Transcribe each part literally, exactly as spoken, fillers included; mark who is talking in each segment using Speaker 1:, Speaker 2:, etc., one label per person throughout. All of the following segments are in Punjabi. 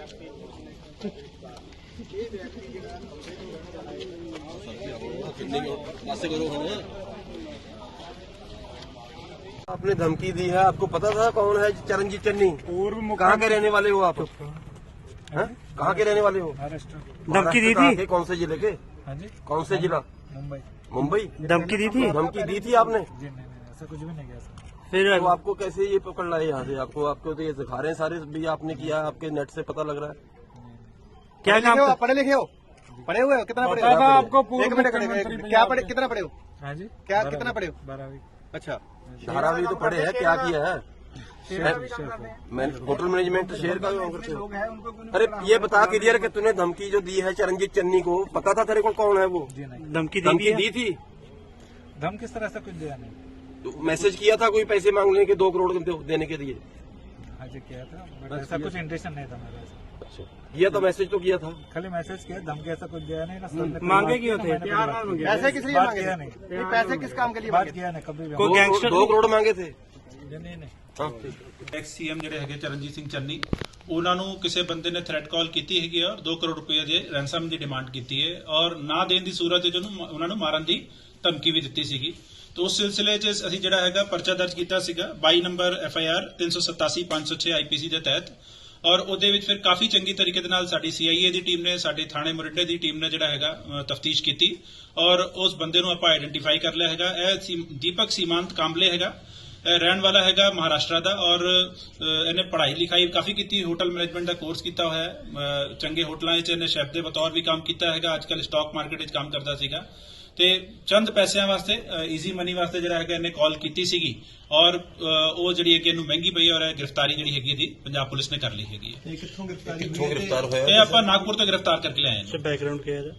Speaker 1: आपने धमकी दी है, आपको पता था कौन है चरणजीत चन्नी?
Speaker 2: पूर्व
Speaker 1: कहाँ के रहने वाले हो आप? कहाँ के रहने वाले हो?
Speaker 2: महाराष्ट्र।
Speaker 1: धमकी दी थी? कौन से जिले के?
Speaker 2: हाँ जी,
Speaker 1: कौन से जिला?
Speaker 2: मुंबई।
Speaker 1: मुंबई।
Speaker 2: धमकी दी थी?
Speaker 1: धमकी दी थी आपने?
Speaker 2: जी नहीं, नहीं ऐसा कुछ भी नहीं किया सर।
Speaker 1: फिर तो आपको कैसे ये पकड़ लाए यहाँ से? आपको आपको तो ये दिखा रहे हैं सारे भी आपने किया, आपके नेट से पता लग रहा है।
Speaker 3: क्या काम हो? पढ़े लिखे हो? पढ़े हुए हो? कितना पढ़े हो?
Speaker 2: आपको
Speaker 3: एक मिनट, क्या पढ़े, कितना पढ़े हो?
Speaker 2: हाँ जी,
Speaker 3: क्या कितना पढ़े हो?
Speaker 2: बारहवीं।
Speaker 3: अच्छा,
Speaker 1: धारावी तो पढ़े है, क्या किया है? मैं होटल मैनेजमेंट शेयर का करते हो? अरे ये बता क्लियर कि तूने धमकी जो दी है चरणजीत चन्नी को, पता था तेरे को कौन है वो?
Speaker 2: जी नहीं,
Speaker 1: धमकी धमकी दी थी?
Speaker 2: धम किस तरह से कुछ दिया नहीं।
Speaker 1: तो मैसेज किया था कोई पैसे मांगने के दो करोड़ देने के लिए?
Speaker 2: हाँ जी किया था, बट ऐसा कुछ इंटेंशन नहीं था मेरा।
Speaker 1: अच्छा, किया तो मैसेज तो किया था,
Speaker 2: खाली मैसेज किया, धमकी ऐसा कुछ दिया नहीं ना।
Speaker 3: मांगे क्यों थे? पैसे किस लिए मांगे?
Speaker 2: किया नहीं,
Speaker 3: ये पैसे किस काम के लिए
Speaker 2: बात
Speaker 3: मांगे?
Speaker 2: किया नहीं कभी भी।
Speaker 1: दो दो करोड़ मांगे थे?
Speaker 2: नहीं नहीं,
Speaker 4: ਐਕਸ ਸੀਐਮ ਜਿਹੜੇ ਹੈਗੇ ਚਰਨਜੀਤ ਸਿੰਘ ਚੰਨੀ, ਉਹਨਾਂ ਨੂੰ ਕਿਸੇ ਬੰਦੇ ਨੇ ਥ੍ਰੈਟ ਕਾਲ ਕੀਤੀ ਹੈਗੀ ਔਰ ਦੋ ਕਰੋੜ ਰੁਪਏ ਦੇ ਰੈਂਸਮ ਦੀ ਡਿਮਾਂਡ ਕੀਤੀ ਹੈ ਔਰ ਨਾ ਦੇਣ ਦੀ ਸੂਰਤ ਵਿੱਚ ਉਹਨੂੰ ਉਹਨਾਂ ਨੂੰ ਮਾਰਨ ਦੀ ਧਮਕੀ ਵੀ ਦਿੱਤੀ ਸੀਗੀ। तो उस सिलसिले च ਅਸੀਂ ਜਿਹੜਾ ਹੈਗਾ ਪਰਚਾ ਦਰਜ ਕੀਤਾ ਸੀਗਾ ਬਾਈ ਨੰਬਰ ਐਫ ਆਈ ਆਰ ਤਿੰਨ ਸੌ ਸਤਾਸੀ ਪੰਜ ਸੌ ਛੇ ਆਈ ਪੀ ਸੀ ਦੇ ਤਹਿਤ ਔਰ ਉਹਦੇ ਵਿੱਚ ਫਿਰ ਕਾਫੀ ਚੰਗੀ ਤਰੀਕੇ ਦੇ ਨਾਲ ਸਾਡੀ ਸੀ ਆਈ ਏ ਦੀ ਟੀਮ ਨੇ, ਸਾਡੀ ਥਾਣੇ ਮੁਰਿੰਡੇ ਦੀ ਟੀਮ ਨੇ ਜਿਹੜਾ ਹੈਗਾ ਤਫਤੀਸ਼ ਕੀਤੀ ਔਰ ਉਸ ਬੰਦੇ ਨੂੰ ਆਪਾਂ ਆਈਡੈਂਟੀਫਾਈ ਕਰ ਲਿਆ ਹੈਗਾ। ਇਹ ਦੀਪਕ ਸੀਮਾਂਤ ਕਾਂਬਲੇ ਹੈਗਾ, ਰਹਿਣ ਵਾਲਾ ਹੈਗਾ ਮਹਾਰਾਸ਼ਟਰ ਦਾ ਔਰ ਇਹਨੇ ਪੜ੍ਹਾਈ ਲਿਖਾਈ ਕਾਫੀ ਕੀਤੀ, ਹੋਟਲ ਮੈਨੇਜਮੈਂਟ ਦਾ ਕੋਰਸ ਕੀਤਾ ਹੋਇਆ ਹੈ, ਚੰਗੇ ਹੋਟਲਾਂ 'ਚ ਇਹਨੇ ਸ਼ੈਫ ਦੇ ਬਤੌਰ ਵੀ ਕੰਮ ਕੀਤਾ ਹੈਗਾ, ਅੱਜ ਕੱਲ੍ਹ ਸਟਾਕ ਮਾਰਕੀਟ 'ਚ ਕੰਮ ਕਰਦਾ ਸੀਗਾ ਤੇ ਚੰਦ ਪੈਸਿਆਂ ਵਾਸਤੇ ਈਜ਼ੀ ਮਨੀ ਵਾਸਤੇ ਜਿਹੜਾ ਹੈਗਾ ਇਹਨੇ ਕਾਲ ਕੀਤੀ ਸੀਗੀ ਔਰ ਉਹ ਜਿਹੜੀ ਹੈਗੀ ਇਹਨੂੰ ਮਹਿੰਗੀ ਪਈ ਔਰ ਗ੍ਰਿਫਤਾਰੀ ਜਿਹੜੀ ਹੈਗੀ ਇਹਦੀ ਪੰਜਾਬ ਪੁਲਿਸ ਨੇ ਕਰ ਲਈ ਹੈਗੀ ਹੈ।
Speaker 3: ਇਹ ਕਿੱਥੋਂ ਗ੍ਰਿਫਤਾਰੀ
Speaker 1: ਕਿੱਥੋਂ ਗ੍ਰਿਫਤਾਰ ਹੋਇਆ?
Speaker 4: ਇਹ ਆਪਾਂ ਨਾਗਪੁਰ ਤੋਂ ਗ੍ਰਿਫਤਾਰ ਕਰਕੇ ਲਿਆਏ ਹਾਂ।
Speaker 2: ਬੈਕਗ੍ਰਾਉਂਡ ਕੀ ਹੈ ਇਹਦਾ?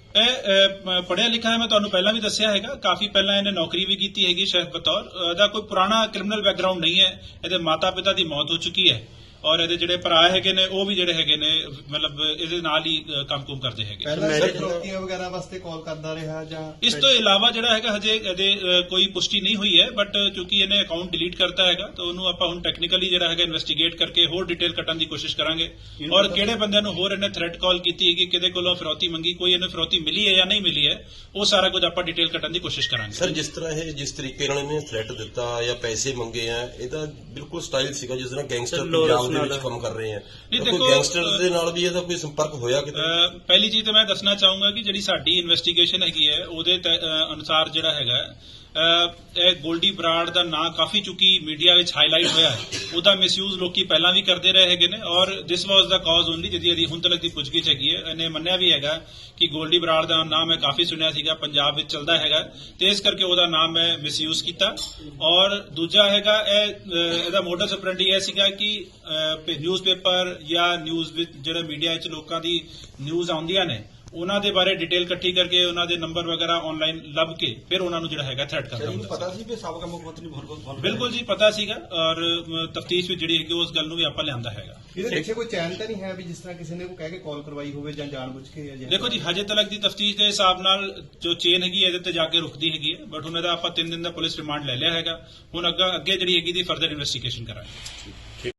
Speaker 4: ਇਹ ਪੜ੍ਹਿਆ ਲਿਖਿਆ ਹੈ, ਮੈਂ ਤੁਹਾਨੂੰ ਪਹਿਲਾਂ ਵੀ ਦੱਸਿਆ ਹੈਗਾ, ਕਾਫੀ ਪਹਿਲਾਂ ਇਹਨੇ ਨੌਕਰੀ ਵੀ ਕੀਤੀ ਹੈਗੀ ਸ਼ੈਫ ਬਤੌਰ। ਇਹਦਾ ਕੋਈ ਪੁਰਾਣਾ ਕ੍ਰਿਮੀਨਲ ਬੈਕਗ੍ਰਾਉਂਡ ਨਹੀਂ ਹੈ, ਇਹਦੇ ਮਾਤਾ ਪਿਤਾ ਦੀ ਮੌਤ ਹੋ ਚੁੱਕੀ ਹੈ ਔਰ ਇਹਦੇ ਜਿਹੜੇ ਭਰਾ ਹੈਗੇ ਨੇ ਉਹ ਵੀ ਜਿਹੜੇ ਹੈਗੇ ਨੇ ਮਤਲਬ ਇਹਦੇ ਨਾਲ ਹੀ ਕੰਮ ਕੁਮ ਕਰਦੇ ਹੈਗੇ।
Speaker 3: ਪਹਿਲਾਂ ਫਰੋਤੀਆਂ ਵਗੈਰਾ ਵਾਸਤੇ ਕਾਲ ਕਰਦਾ ਰਿਹਾ ਜਾਂ
Speaker 4: ਇਸ ਤੋਂ ਇਲਾਵਾ ਜਿਹੜਾ ਹੈਗਾ ਹਜੇ ਇਹਦੇ ਕੋਈ ਪੁਸ਼ਟੀ ਨਹੀਂ ਹੋਈ ਹੈ, ਬਟ ਕਿਉਂਕਿ ਇਹਨੇ ਅਕਾਊਂਟ ਡਿਲੀਟ ਕਰਤਾ ਹੈਗਾ ਤਾਂ ਉਹਨੂੰ ਆਪਾਂ ਹੁਣ ਟੈਕਨੀਕਲੀ ਜਿਹੜਾ ਹੈਗਾ ਇਨਵੈਸਟੀਗੇਟ ਕਰਕੇ ਹੋਰ ਡਿਟੇਲ ਕੱਢਣ ਦੀ ਕੋਸ਼ਿਸ਼ ਕਰਾਂਗੇ ਔਰ ਕਿਹੜੇ ਬੰਦਿਆਂ ਨੂੰ ਹੋਰ ਇਹਨੇ ਥ੍ਰੈਟ ਕਾਲ ਕੀਤੀ ਹੈਗੀ, ਕਿਹਦੇ ਕੋਲੋਂ ਫਿਰੌਤੀ ਮੰਗੀ, ਕੋਈ ਇਹਨੂੰ ਫਿਰੌਤੀ ਮਿਲੀ ਹੈ ਜਾਂ ਨਹੀਂ ਮਿਲੀ ਹੈ, ਉਹ ਸਾਰਾ ਕੁਝ ਆਪਾਂ ਡਿਟੇਲ ਕੱਢਣ ਦੀ ਕੋਸ਼ਿਸ਼ ਕਰਾਂਗੇ।
Speaker 1: ਸਰ ਜਿਸ ਤਰ੍ਹਾਂ ਇਹ ਜਿਸ ਤਰੀਕੇ ਨਾਲ ਇਹਨੇ ਥ੍ਰੈਟ ਦਿੱਤਾ ਜਾਂ ਪੈਸੇ ਮੰਗੇ ਆ, ਇਹਦਾ ਬਿਲਕੁਲ ਸਟਾਈਲ ਸੀਗਾ ਜਿਸ ਤਰ੍ਹਾਂ ਗੈਂਗਸਟਰ ਪੰਜਾਬ ਦੇ ਵਿੱਚ ਕੰਮ ਕਰ ਰਹੇ ਆ।
Speaker 4: ਨਹੀਂ
Speaker 1: ਕੋਈ
Speaker 4: ਦੇਖੋ,
Speaker 1: ਗੈਂਗਸਟਰ ਦੇ ਨਾਲ ਵੀ ਇਹਦਾ ਕੋਈ ਸੰਪਰਕ ਹੋਇਆ ਕਿਤੇ?
Speaker 4: ਪਹਿਲੀ ਚੀਜ਼ ਤਾਂ ਮੈਂ ਦੱਸਣਾ ਚਾਹੂੰਗਾ ਕਿ ਜਿਹੜੀ ਸਾਡੀ ਇਨਵੈਸਟੀਗੇਸ਼ਨ ਹੈਗੀ ਹੈ ਉਹਦੇ ਅਨੁਸਾਰ ਜਿਹੜਾ ਹੈਗਾ ਇਹ ਗੋਲਡੀ ਬਰਾੜ ਦਾ ਨਾਂ ਕਾਫੀ ਚੁੱਕੀ ਮੀਡੀਆ ਵਿੱਚ ਹਾਈਲਾਈਟ ਹੋਇਆ ਹੈ, ਉਹਦਾ ਮਿਸਯੂਜ਼ ਲੋਕੀ ਪਹਿਲਾਂ ਵੀ ਕਰਦੇ ਰਹੇ ਹੈਗੇ ਨੇ ਔਰ ਦਿਸ ਵਾਸ ਦਾ ਕਾਜ਼ ਓਨਲੀ ਜਿਹਦੀ ਇਹਦੀ ਹੁਣ ਤੱਕ ਦੀ ਪੁੱਛਗਿੱਛ ਹੈਗੀ ਹੈ। ਇਹਨੇ ਮੰਨਿਆ ਵੀ ਹੈਗਾ ਕਿ ਗੋਲਡੀ ਬਰਾੜ ਦਾ ਨਾਮ ਮੈਂ ਕਾਫੀ ਸੁਣਿਆ ਸੀਗਾ, ਪੰਜਾਬ ਵਿੱਚ ਚੱਲਦਾ ਹੈਗਾ ਤੇ ਇਸ ਕਰਕੇ ਉਹਦਾ ਨਾਮ ਮੈਂ ਮਿਸਯੂਜ਼ ਕੀਤਾ ਔਰ ਦੂਜਾ ਹੈਗਾ ਇਹ ਇਹਦਾ ਮੋਡਸ ਆਪਰੈਂਡੀ ਇਹ ਸੀਗਾ ਕਿ ਨਿਊਜ਼ਪੇਪਰ ਜਾਂ ਨਿਊਜ਼ ਵਿੱਚ ਜਿਹੜੇ ਮੀਡੀਆ ਵਿੱਚ ਲੋਕਾਂ ਦੀ ਨਿਊਜ਼ ਆਉਂਦੀਆਂ ਨੇ ਉਹਨਾਂ ਦੇ ਬਾਰੇ ਡਿਟੇਲ ਇਕੱਠੀ ਕਰਕੇ ਉਹਨਾਂ ਦੇ ਨੰਬਰ ਵਗੈਰਾ ਆਨਲਾਈਨ ਲੱਭ ਕੇ ਫਿਰ ਉਹਨਾਂ ਨੂੰ ਜਿਹੜਾ ਹੈਗਾ ਥ੍ਰੈਟ ਕਰਦਾ ਹੁੰਦਾ।
Speaker 3: ਪਤਾ ਸੀ ਵੀ ਸਾਬਕਾ ਮੁੱਖ ਮੰਤਰੀ ਬਹੁਤ
Speaker 4: ਬਿਲਕੁਲ ਜੀ ਪਤਾ ਸੀਗਾ ਔਰ ਤਫਤੀਸ਼ ਵਿੱਚ ਜਿਹੜੀ ਹੈਗੀ ਉਸ ਗੱਲ ਨੂੰ ਵੀ ਆਪਾਂ ਲਿਆਂਦਾ ਹੈਗਾ।
Speaker 3: ਇਹਦੇ ਪਿੱਛੇ ਕੋਈ ਚੈਨ ਤਾਂ ਨਹੀਂ ਹੈ ਵੀ ਜਿਸ ਤਰ੍ਹਾਂ ਕਿਸੇ ਨੇ ਕਹਿ ਕੇ ਕਾਲ ਕਰਵਾਈ ਹੋਵੇ ਜਾਂ ਜਾਣਬੁੱਝ ਕੇ?
Speaker 4: ਦੇਖੋ ਜੀ ਹਜੇ ਤੱਕ ਦੀ ਤਫਤੀਸ਼ ਦੇ ਹਿਸਾਬ ਨਾਲ ਜੋ ਚੇਨ ਹੈਗੀ ਇਹਦੇ ਤੇ ਜਾ ਕੇ ਰੁਕਦੀ ਹੈਗੀ ਹੈ, ਬਟ ਹੁਣ ਇਹਦਾ ਆਪਾਂ ਤਿੰਨ ਦਿਨ ਦਾ ਪੁਲਿਸ ਰਿਮਾਂਡ ਲੈ ਲਿਆ ਹੈਗਾ, ਹੁਣ ਅੱਗੇ ਅੱਗੇ ਜਿਹੜੀ ਹੈਗੀ ਦੀ ਫਰਦਰ ਇਨਵੈਸਟੀਗੇਸ਼ਨ ਕਰਾਂਗੇ।